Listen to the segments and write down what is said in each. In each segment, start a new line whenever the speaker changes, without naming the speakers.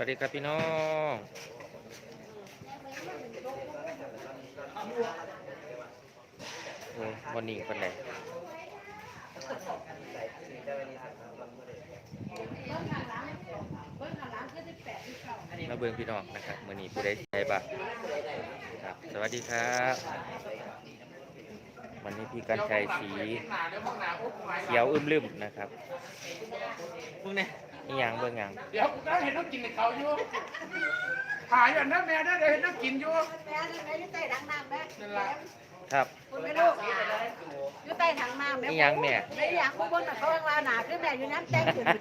วัสดีครับพี่น้องโอ้วันนี้เป็นไรมาเบิ่งพี่น้องนะครับมื้อนี้ผู้ใดใจบ้างครับสวัสดีครับวันนี้พี่กันชัยสีเขียวอึมลืมนะครับเบิ่งเนี่ยนี่ยังเบิ่งยัง
เดี๋ยวได้เห็นน้องกินในเขาอยู่ถ่ายอยู่นะแม่ได้เห็นน้องกินอยู่
แม่อยู่ใต้ถังน้ำแม่
นั่นแหละ
ครับ
คุณไม่รู้อยู่ใต้ถังน้ำแม่
นี่ยังแม่
ไม่อยากพูดบนแต่เขาว่าหนาขึ้นแม่อยู่น้ำแจ้งขึ้น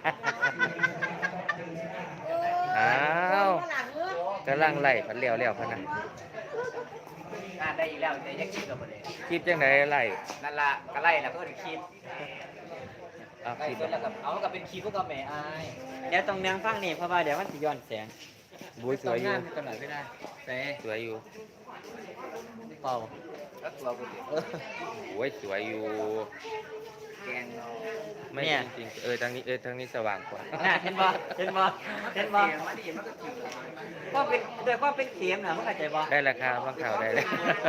อ้าวกำลังไล่พันเลี้ยวพะนะ
ได้อีกแล้วแต่ยังคิดกับมันเลย
คลิปจังไหนไล่
นั่นละก็ไล่แล้วก็ถึงคิด
คลิป
แล้วกับเอากับเป็นคิดพวกกับแม่อายเดี๋ยวต้องเนื้อฟังนี่เพราะว่าเดี๋ยวมันจะย้อนแสง
บุ้ยสวยอยู่
กันหน่อยไม่ได้แต่
สวยอยู่
เปล่าแล้วตัวกู
โอ้ยสวยอยู่
แกง
ไม่จริงๆทางนี้สว่างกว่า
เห็นบ่ก็เป็นโดยก็เป็นเข็มนะมึงเข้าใจบ่
ได้ราคาฟังข่าวได้เลย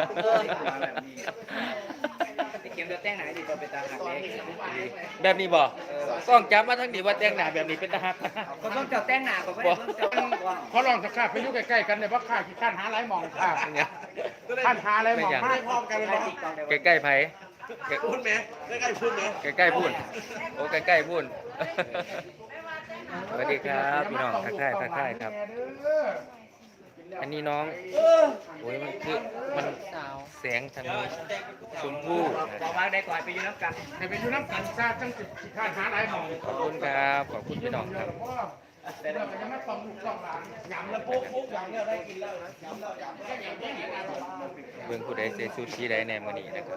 เข็มเดือดแต้งไหนดีตัวเป็นตาหักเล็ก
แบบนี้บ่กล้องจับมาทั้งนี้ว่าแต่งหน้าแบบนี้เป็นตาหัก
ก็ต้องเจ้าแต้งหนาก็ไม่ได้ต้องเจ้า
เขาลองสักข้าไปอยู่ใกล้ๆกันเลยว่าข้าขี้ข้านหาไรมองข้าข้านหาไรมองไม่พร้อมกันเลย
ใกล้ๆไผ
พูดไหมใกล้ๆพูดไหม
ใกล้ๆพูดโอ้ใกล้ๆพูดสวัสดีครับพี่น้องทักทายครับอันนี้น้องโอ้ยมันคือมันแสงทางนี้ชมพู่
บอกว่าได้ก่อนไปอยู่น้ำกัน
ไปอยู่น้ำกันซาจังสิขี้ข้านหาไรมอง
ขอบคุณครับขอบคุณพี่น้องครับ
แต่เดี๋ยวมันจะไม่ต้องลูกต้องหลานยำแล้วปุ๊บยำเนี่ยได้กินแล้วนะยำแล้ว
เบิ่งผู้ใดเสียชุดสีใดในมื้อนี้นะครับ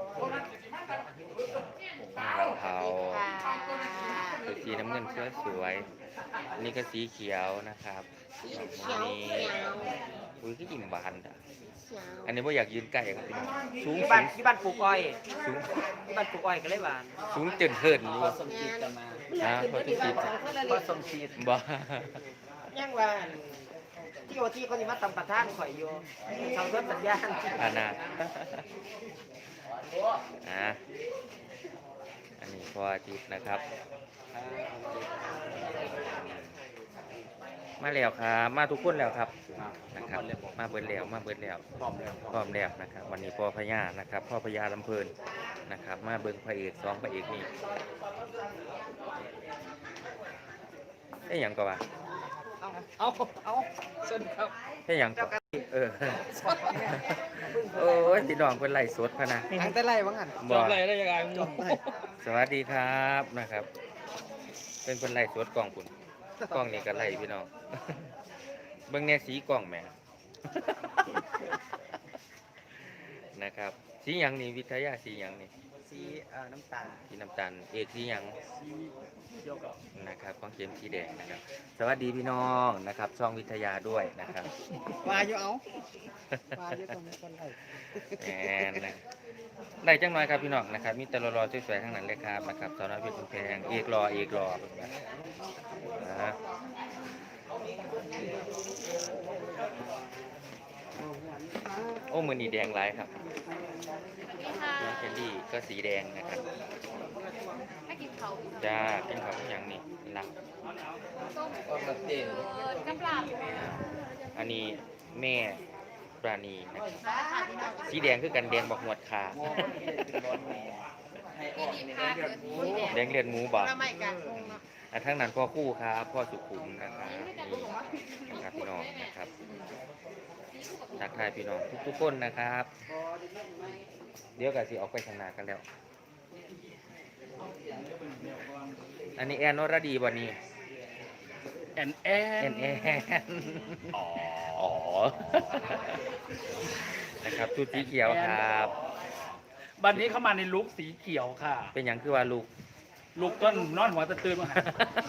เทาสีน้ำเงินสวยๆนี่ก็สีเขียวนะครับนี่อุ้ยก็อิ่มบานอ่ะอันนี้ว่าอยากยืนใกล้ครับสูง
ที่บ้านปลูกอ้อย
สูง
ที่บ้านปลูกอ้อยก็เลยบาน
สูงเจินเทินอยู่
สมจิตกันมา
พอสมจิต
พอสมจิต
บ่
ยังว่าที่โอที่เขาจะมาตำประท่านข่อยอยู่ทำรถสัญญาณ
อาณาอันนี้พออาทิตย์นะครับมาแล้วครับมาทุกคนแล้วครับนะครับมาเบิดแล้วพร้อมแล้วนะครับวันนี้พ่อพญานะครับพ่อพญาลำเพลินนะครับมาเบิ่งพระเอก2พระเอกนี่ไอ้หยังก็ว่า
เอาสนครับ
ไอ้หยังก็โอ้ยพี่น้องเพิ่นไล่สดพะนะ
ตั้งแต่ไล่ว่างั้น
จบไล่ได้ยังไงสวัสดีครับนะครับเป็นเพิ่นไล่สดกล้องคุณกล้องนี่ก็ไล่พี่น้องเบิ่งแน่สีกล้องแหมนะครับสีหยังนี่วิทยาสีหยังนี่
สีน้ำตาล
สีน้ำตาลเอกสีหยังนะครับของเข็มสีแดงนะครับสวัสดีพี่น้องนะครับช่องวิทยาด้วยนะครับ
มาอยู่เอามาอยู่ตรงนี้คนไล่
นะได้จังหน่อยครับพี่น้องนะครับมีแต่รอสวยๆทั้งนั้นเลยครับนะครับสาวน้อยเพชรแพงเอกรอโอ้มือนี่แดงหลายครับน้องแคนดี้ก็สีแดงนะครับจ้ากินข้าวอย่างนี้หลักอันนี้แม่ปราณีนะครับสีแดงคือกันแดงบอกหมวดขาแดงเลือดหมูบอกทั้งนั้นพ่อคู่ครับพ่อสุขุมนะครับนี่นะครับพี่น้องนะครับทักทายพี่น้องทุกคนนะครับเดี๋ยวกันสิออกไปทำงานกันแล้วอันนี้แอนนรดีวันนี้
แอน
อ๋อนะครับชุดสีเขียวครับ
วันนี้เข้ามาในลุคสีเขียวค่ะ
เป็นอย่างคือว่า
ลูกต้นนอนหัวตะตื่นมา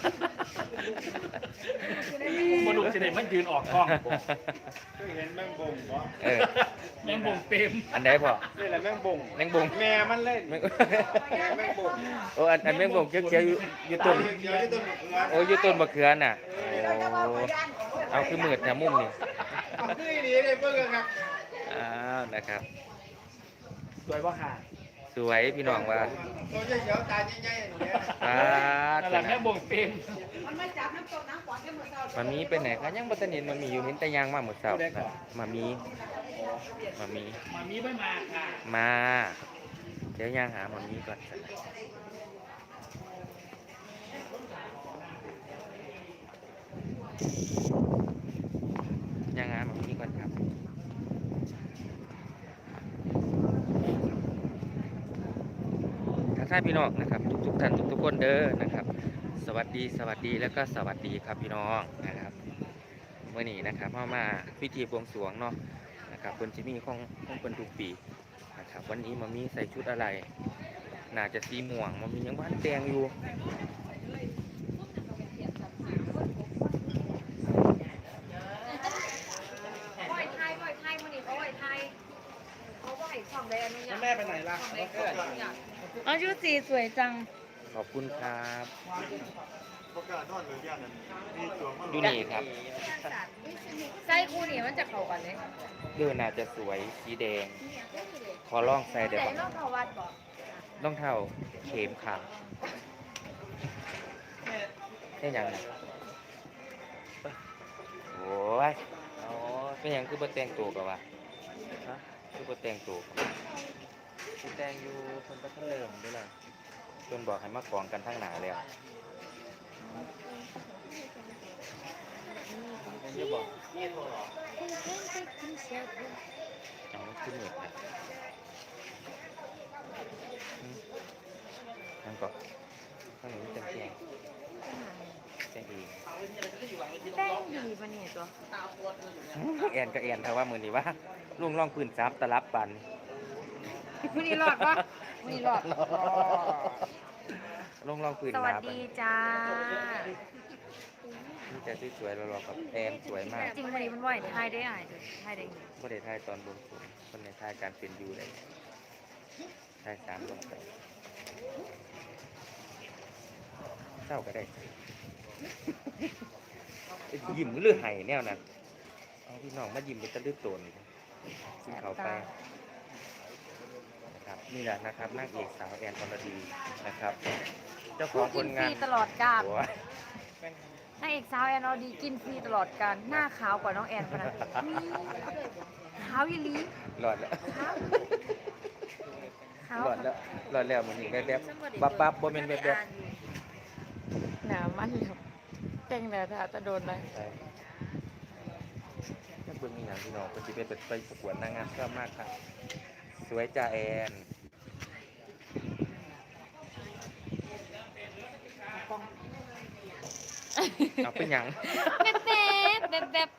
บนลูกเสด็จมันยืนออกกล้องเห็นแมงบงเหรอแมงบงเต็ม
อันไหนพ่อ
นี่แหละแมงบงแม่มันเล่นแมงบง
โอ้อันแมงบงเขียวอยู่ต้นโอ้อยู่ต้นมะเขือน่ะโอ้เอาคือมืดนะมุมนี่
เอาคือดีเลยเบิ่งกันครับ
อ้าวนะครับ
สวยบ่ค่ะ
สวยพี่น้องว่า
ตัวใหญ่เขียวตาใหญ่ๆอย่างเงี้ย
ปาด
นั่นแหละแม่บ่งเป็น
มันมาจับน้ำตกน้ำขวานกันหมดแล้ว
มามีเป็นไหนคะยังบ่ทันเห็นมันมีอยู่เห็นแต่ยางมาหมดเสาร์นะมามี
มามีไม่มาค่ะ
มา เดี๋ยวยางหามามีก่อนยางหามามีก่อนครับทักทายพี่น้องนะครับทุกท่านทุกคนเด้อนะครับ สวัสดีแล้วก็สวัสดีครับพี่น้องนะครับเมื่อนี้นะครับมาพิธีบวงสรวงเนาะนะครับเพิ่นสิมีของเพิ่นทุกปีนะครับวันนี้มามีใส่ชุดอะไรน่าจะสีม่วงมามียังบ้านแดงอยู่
ไหวไทยมันนี่เขาไหวไทยเขาไหวฝั่งใดอันนี้
แม่ไปไหนล่ะ
อ๋อชุดสีสวยจัง
ขอบคุณครับ
ประกาศนอนหรือย่านนั้นมีตัวมา
ดูนี่ครับ
ไส้คู่นี่มันจะเข้ากันเลย
เดือน่าจะสวยสีแดงขอลองใส่เดี๋ยว
แต่
ก่อน
รอบเขาวัดบอก
รองเท้าเข็มขาวได้ยังไงโอ้ยเป็นหยังคือบ่แต่งตัวกันวะฮะคือบ่แต่งตัวคือแต่งอยู่คนก็เริ่มด้วยล่ะจนบอกให้มากองกันทั้งหนาแล้วจะบอกเอาขึ้นเหนือนั่นก็ข้างนี้จะแจ้งแจ้งเอง
แป้งดีปะเนี่ยตัว
แอนก็แอนถ้าว่ามือนี้ว่าลุงร่องปืนซับตะลับปัน
วันนี้รอดปะวันนี้รอด
ลุงร่องปืน
สวัส
มาปัน
ดีจ้า
นี่จะสวยๆเรากับแอนสวยมาก
จริงวันนี้มันไหวไทยได้อ่ะไทยได้ไง
ประเทศไทยตอนบนสูงคนในไทยการเป็นอยู่เลยไทยสามลงไปเศร้าก็ได้ ยิ้มหรือไห้แนวนั้นเอาพี่น้องมายิ้มเป็นตะลึกโตนซึ่งเขาไปนะครับนี่แหละนะครับนางเอกสาวแอนอรดีนะครับ เจ้าข
ผู้
องผ
กิน
ล
ฟ
งา
รี
น
ตลอดกาล
โอ้ย
นางเอกสาวแอนอดีกินฟรีตลอดกาลหน้าขาวกว่าน้องแอนขนาดขาวยี่ลี
หลอดแล้ว
ขาว
หลอดแล้วหลอดแล้วมันนี่แบบบับบ่เป็นแบบ
หนามันอยู่แต่งแล้วถ้าจะโดนเลย
ใช่ถ้าเบิ่งมีอย่างพี่น้องก็จะไปประกวดนางงามชอบมากครับสวยจ่าแอนเอาเป็นหยัง
แบบ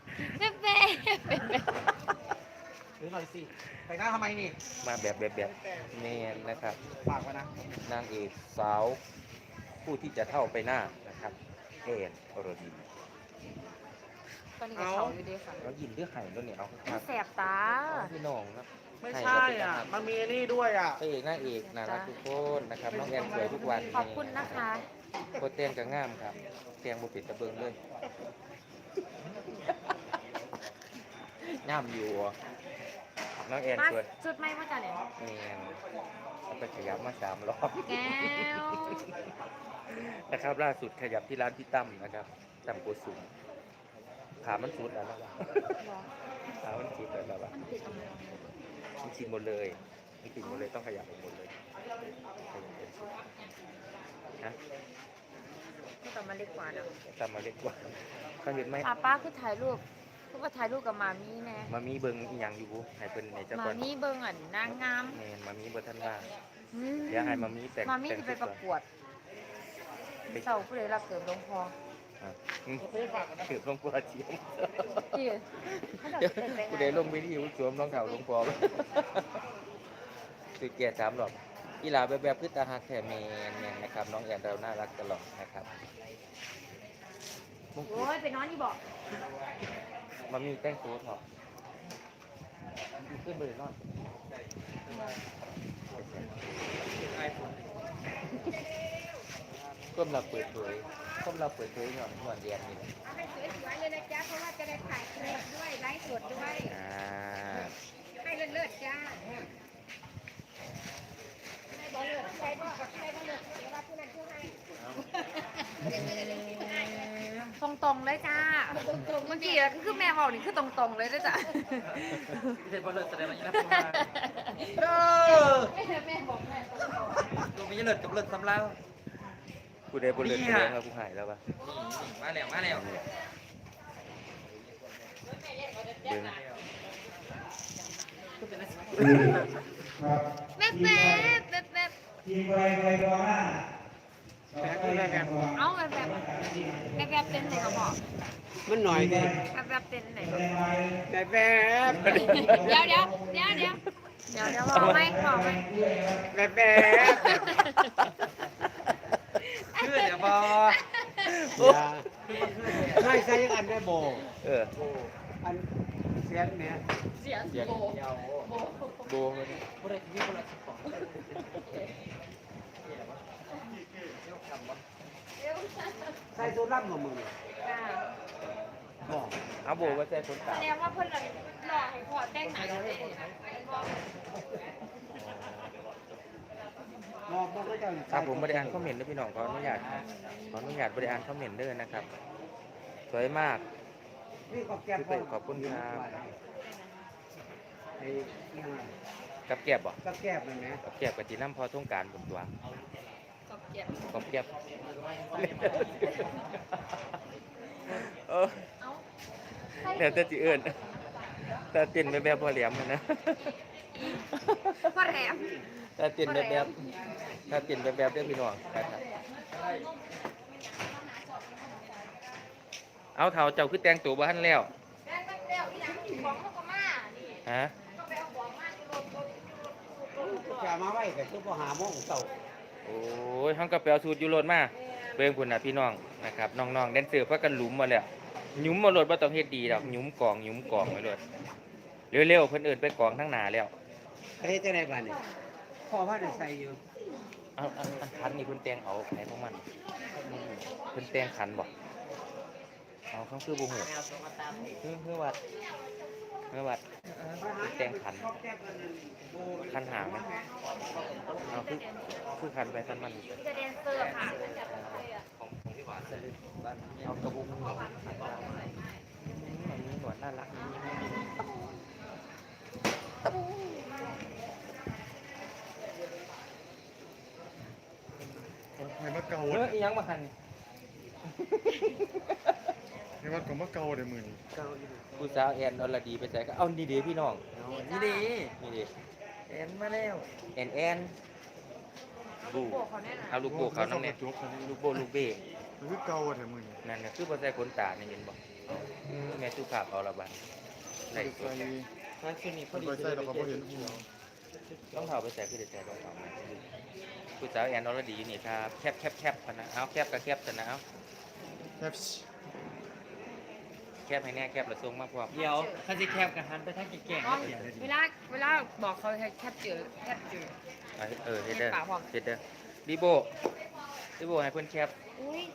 หรือหน่อยสิไปหน้าทำไมนี่
มาแบบเมนนะครับ
ฝากไว้นะ
นางเอกสาวผู้ที่จะเท่าไปหน้านะครับแอนอรดี
ตอนนี้ก็เขาอยู่ดีค่ะ
แล้วยินเรื่องไห่ด้วยเนี่ยเอาค
มั
รั
น
บ
แสบตา
พี่น้องนะ
ไม่ใช่อ่ะ มันมีนี่ด้วยอ่ะ
พระเอกนางเอกน่ารักทุกคนนะครับน้องแอนสวยทุกวัน
ขอบคุณนะคะ
โคตรเตียงกับงามครับเตียงบุปิดตะเบิงเลยงามอยู่อ่ะน้องแอน
มา
สวย
จุดไม่มาจากไหน
เนียนเอาไปขยับมา3 รอบ
แก้ว
นะครับล่าสุดขยับที่ร้านพี่ตั้มนะครับตั้มโกสุมขามันสุดแล้วนะขามันสุดแล้วล่ะ
มันติดตรงไหน
มันชินหมดเลยมันติดหมดเลยต้องขยับหมดเลยขยับเป็นสุดนะ
ก็แต่มันเล็กกว่านะ
ตามมาเล็กกว่าเขาเห็นไหม
ป้าคือถ่ายรูปคือว่าถ่ายรูปกับหมามีแน่
มามีเบิงอีหยังอยู่ให้เป็นในเจ้า
ห
ก่
มา
อน
มีเบิ่งอ่ะนางงาม
แมนมามีบ่ทันว่าง
อืม
เดี๋ยวให้มามีแต่ง
หมามีจะไปประกวดเสาผู้ใดรับเกิดหลวงพ่อ
ถือลงปัวเชียม
ที่เขา
เดี๋ยว
จะเป็น
ผู้
ไง
ใดลงไปที่สวมรองเท้าลงปอสือเกียรติ3 รอบกีฬาแบบพืชตาหักแถมแมนนะครับน้องแอนเราน่ารักตลอดนะครับมงกุ
โอ้
ฎ
ยไปนอนที่บอก
มามีแต่งตัวเถอะขึ้นไปเลยนอนก้มเราเปิดเผยก้มเราเปิดเผยหน่อยหน่อยเรียนนี่แหละ
เอาให้สวยๆเลยนะจ๊ะเพราะว่าจะได้ถ่ายคลิปด้วยไลฟ์สดด้วย ให้เลิศๆจ้าให้บ่เลิศใครบ่เลิศเดี๋ยวว่าผู้นั้นผู้ให้
ตรงๆเลยจ้าเมื่อกี้คือแม่บอกนี่คือตรงๆเลยนะจ้ะ
เด็กบอลเลิศแสดงว่าอย่างนั้นแม่บอกแม่ตัวไม่เลิศกับเลิศซ้ำเล่า
กูได้บนเรือนแสดงว่ากูหายแล้วปะ
มาแล้ว
ดึง
แม่แป๊บแป๊บแป๊บ เอาแบบแบบเต้นไหนก็บอก
มันหน่อยดิ
แบบเต้นไหน
แบบ
เดี๋ยวบอกไหม
แบบคือเดี๋ยวบอให้ใช้ยังอันได้โบ อันเสียงเนี่ย
เสียงโบ
โบมัน
บริษัทบริษัทใส่ตัวล่ำของมึงบอก
เอาโบว่าใจคนตา
แสดงว่าเพื่อนหล่อให้พอแต่งหนังเลย
บอกก็จะ
ครับผมบริอ่านคอมเมนต์ด้วยพี่น้องขออนุญาตบริอ่านคอมเมนต์ด้วยนะครับสวยมาก
นี่ขอบแก้ม
ขอบคุณครับ
ไอ้
กับแก็บบ่
กับแก้มมันไหม
กับแก็บกับจีน้ำพอต้องการผมตัว
กับเกียร
กับแก็บเดี๋ยวจะจีเอิญแต่ตินแบบพอเหลี่ยมนะ
พ่อแหลม
ถ้าตินแบบถ้าตินแบบเด้อพี่น้องนะครับเอาเท้าเจ้าคือแต่งตัวบ้านแล้ว
แม่งเร็วที่หลังของเขาก็มานี่
ฮะ
ก็ไปเอาของมาที่รถ
จะมาไว้แต่คือพอหาโมงเต่า
โอ้ยห้องกระเป๋าสูตรยูโรดมาเบิ่งพุ่นน่ะพี่น้องนะครับน้องๆแดนเซอร์พากันหลุมมาแล้วหยุมมาโลดบ่ต้องเฮ็ดดีดอกหยุมกองไว้โลดเร็วๆเพิ่นเอิ้นไปกองทั้งหน้าแล้ว
เฮ้ยจะได้บ้านนี่พ่อว่าได้ใส่อยู่
เอาคันนี่เพิ่นแต่งเอาไหนของมันเพิ่นแต่งคันบ่เอาเขาคือบ่ฮู้คือวัดเพิ่นแต่งคันคันหางไหมเอาคือคันไปคันมัน
จะแดนเซอร์ค่ะ
เอากระบุกมันหนวดมันมีหนวดน่ารัก
ให้มาเกา
เฮ้ยยังมาคัน
ให้มาก็มาเกาได้มื้อนี้
ผู้สาวแอนอรดีไปใส่ก็เอานี่เด้พี่น้อง
นี่ดี
นี่เด้
เอ็นมาแล้ว
แอนบูเอาลูกโป่เขาน้ำเนี่ย
จบคันนี้
ลูกโป่ลูกเบ้
คือเกาได้มื้อนี้
นั่นน่ะคือบ่ใส่ขนตานี่เห็นบ่แม่สุภาพเอาละบัดใส่
ใส่
ทางคลินิกพอดี
ไปใส่แล้วก็บ่เห็นหัว
ต้องเท้าไปใส่คือได้ใส่รองเท้ามาผู้สาวแอนอรดีอยู่นี่ครับแคบพะนะเอาแคบก็แคบซะนะเอา
แคป
แคบให้แน่แคบแล้วส่งมาพร้อม
เดี๋ยวคันสิแคบกับหันไปทางแก่งๆเดี๋ยว
เวลาบอกเขาให้แคปเจอ
เฮ็ดเด้อเฮ็ดเด้อรีโบให้เพิ่นแคป
อุ้ย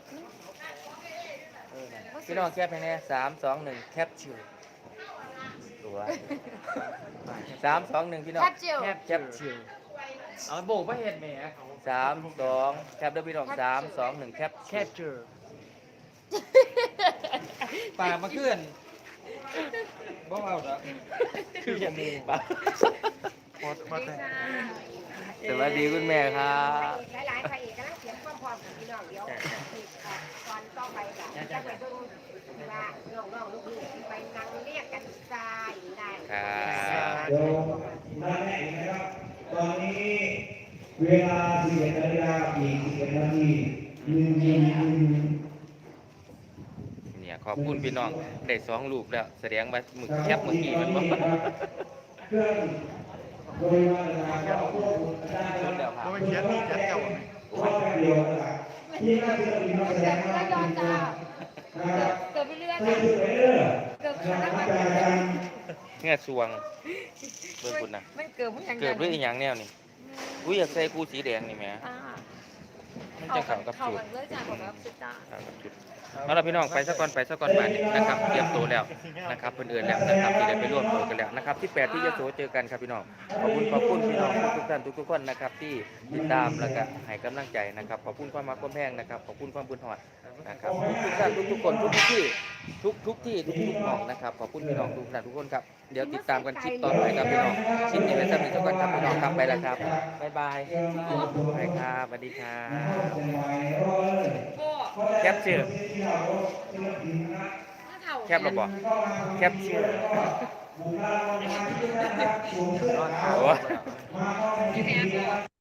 พี่น้องแคปให้แน่3 2 1แคปชิวตัว3 2 1พี่น้อง
แคปเจล
แคปชิว
เอาโบกมาเห็นแหม
3 2แคปเด้อพี่น้อง3 2 1แคป
แคบเจอปากมาเคลื่อนบ่เอาดอก
คืออย่างนี้ปะ
มาแต่
สวัสดีคุณแม่ครับ
หลายๆพระเอกกำลังเสียงความพร้อมของพี่น้องเดี๋ยวก่อนต่อไปกันจะไปดูว่าน้องๆลูกๆไปนั่งเรียกกันทรายได้
ครับ
เดี๋ยวมาแม่อีกนะครับ ตอนนี้เวลา11 นาฬิกาอีก11 นาที
เนี่ยขอบคุณพี่น้องได้2รูปแล้วแสดงว่ามึกแคปเมื่อกี้มันบ่
เครื่องบริวารต่างๆก็ควบคุมได้
ชนแล้วครับ
บ่เขียนเจ้า
ว่าแป๊บเดียวนะครับที่น่าจะมีนักแสดงมากจริงๆนะครับ
เกิดไปเรื่อย
ใส่ชุดไปเรื่อย
เกิด
นะครับจากการ
เงี้ยสวงเบิ่งคุณนะ
มันเกิดเพราะอย่าง
เกิดด้วยอีหยังแนวนี่อุ้ยอยากใส่กูสีแดงนี่แหม
อ่า
มันจะเข้ากับ
เข้า
จุด
กันเลยจ้าของแบบสุดจ้า
เข้ากับจุดเอาล่ะพี่น้องไปซะก่อนมานี่นะครับเตรียมตัวแล้วนะครับเพิ่นเอิ้นแล้วนะครับที่ได้ไปร่วมตัวกันแล้วนะครับที่8ที่ยโสเจอกันครับพี่น้องขอบคุณพี่น้องทุกท่านทุกคนนะครับที่ติดตามแล้วก็ให้กำลังใจนะครับขอบคุณความรักความแพงนะครับขอบคุณความบุญหอดนะครับทุกท่านทุกคนทุกที่ทุกที่ทุกหม่องนะครับขอบคุณพี่น้องทุกท่านทุกคนครับเดี๋ยวติดตามกันคลิปต่อไปครับพี่น้องคลิปนี้ไว้สำหรับทุกคนครับพี่น้องครับไปแล้วครับบ๊ายบายไปครับสวัสดีครับ แคปชื่อแคปหรอบ่แคปชื่อโอ้